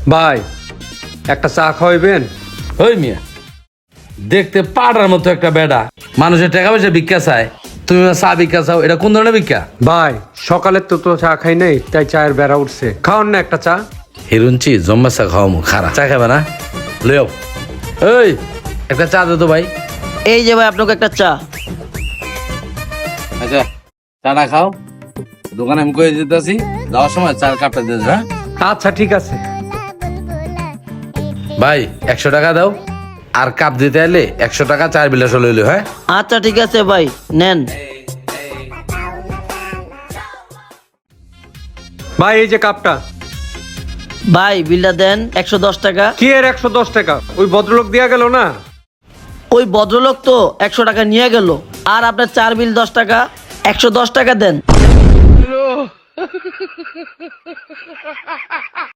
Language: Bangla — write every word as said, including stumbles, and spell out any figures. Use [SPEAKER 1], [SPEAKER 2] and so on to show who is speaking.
[SPEAKER 1] ভাই একটা চা খাওয়াইবেন?
[SPEAKER 2] ওই মিয়া দেখতে পাড়ার মতো একটা বেডা, মানুষের টাকা পয়সা ভিক্ষা চায়, তুমি চা ভিক্ষা চাও, এটা কোন ধরনের ভিক্ষা?
[SPEAKER 1] ভাই সকালের তো তো চা খাই নাই, তাই চায়ের বেড়া উঠছে, খাওয়ান না একটা চা।
[SPEAKER 2] হিরুনচি জম্মা চা খাওয়া মু খারাপ, চা খাবে না? লেও এই একটা চা দে তো ভাই।
[SPEAKER 3] এই যে ভাই আপনাকে একটা চা।
[SPEAKER 2] আচ্ছা চাটা খাও, দোকানে আমি কয়ে দিতেছি, যাওয়ার সময় চার কাপটা দিয়ে দেবে। হ্যাঁ
[SPEAKER 1] আচ্ছা ঠিক আছে।
[SPEAKER 2] ভাই একশো টাকা দাও, আর কাপ দিতে এলে একশো টাকা চার বিলাস লইলো। হ্যাঁ
[SPEAKER 3] আচ্ছা ঠিক আছে ভাই, নেন।
[SPEAKER 1] ভাই এই যে কাপটা।
[SPEAKER 3] ভাই বিলটা দেন, একশো দশ টাকা।
[SPEAKER 1] কি এর একশো দশ টাকা? ওই ভদ্রলোক দিয়া গেল না?
[SPEAKER 3] ওই ভদ্রলোক তো একশো টাকা নিয়ে গেল, আর আপনার চার বিল দশ টাকা, একশো দশ টাকা দেন।